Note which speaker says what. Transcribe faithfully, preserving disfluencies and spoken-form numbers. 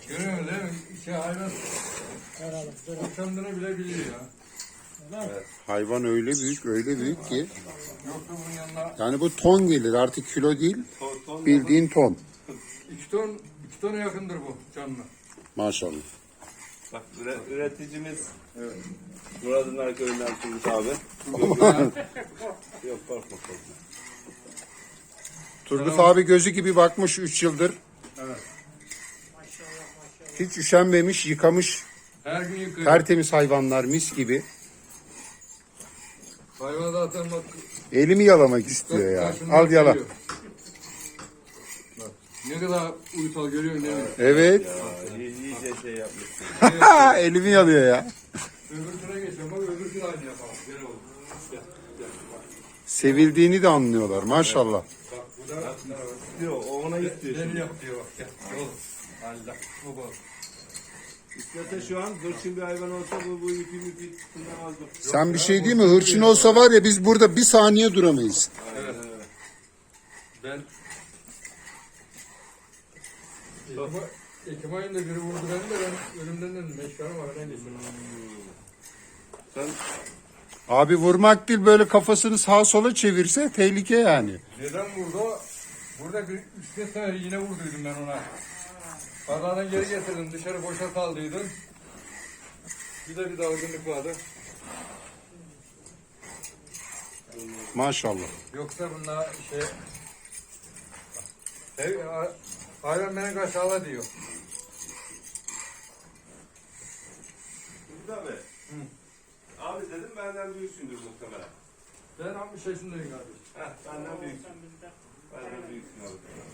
Speaker 1: Görüyor musun değil mi? Şey hayvan kendini bile biliyor ya.
Speaker 2: Evet. Hayvan öyle büyük, öyle büyük ki.
Speaker 1: Yoksa bunun yanına
Speaker 2: Yani bu ton gelir, artık kilo değil,
Speaker 3: Ton, ton
Speaker 2: bildiğin ton.
Speaker 1: iki ton, iki tona yakındır bu canlı.
Speaker 2: Maşallah.
Speaker 3: Bak üre, üreticimiz evet. Murat'ın arkadaşından Turgut abi. Yok korkma korkma.
Speaker 2: Turgut abi gözü gibi bakmış üç yıldır.
Speaker 1: Evet.
Speaker 2: Hiç üşenmemiş, yıkamış.
Speaker 1: Her gün yıkıyor.
Speaker 2: Tertemiz hayvanlar, mis gibi.
Speaker 1: Hayvan zaten bak.
Speaker 2: Elimi yalamak istiyor ya.
Speaker 1: karşımda
Speaker 2: Al yala.
Speaker 1: geliyor. Bak, ne kadar uysal görüyorsun değil mi?
Speaker 2: Evet.
Speaker 3: Ya, iyi, iyice şey yapmışsın.
Speaker 2: Elimi yalıyor ya.
Speaker 1: Öbürsüne geçelim bak öbürsüne aynı yapalım. Gel oğlum. Gel. Gel. Bak,
Speaker 2: Sevildiğini de anlıyorlar maşallah.
Speaker 1: bak bu da
Speaker 3: Yok o ona istiyor
Speaker 1: beni
Speaker 3: şimdi.
Speaker 1: yap diyor bak. Gel. Gel oğlum. Allah. Bu bak.
Speaker 3: İstese şu an hırçın bir hayvan olsa bu, bu ipi ipi tırnamazdı.
Speaker 2: Sen bir şey değil mi? Hırçın olsa var ya biz burada bir saniye duramayız.
Speaker 1: Evet. Ben Ekim, Ekim ayında biri vurdu beni de ben ölümden dedim. Beş kanı var. Ne diyeyim?
Speaker 3: Sen
Speaker 2: Abi vurmak değil, böyle kafasını sağa sola çevirse tehlike yani.
Speaker 1: Neden vurdu? o? Burada bir üç beş sefer yine vurduydum ben ona. Pazardan geri getirdim. Dışarı boşa saldıydım. Bir de bir dalgınlık vardı.
Speaker 2: Maşallah.
Speaker 1: Yoksa bunlar şey... Ev, hayvan beni aşağıla diyor.
Speaker 3: Turgut abi. Abi dedim benden büyüksündür muhtemelen.
Speaker 1: Ben altmış yaşındayım kardeşim.
Speaker 3: Heh, benden büyüksün. Benden büyüksün abi.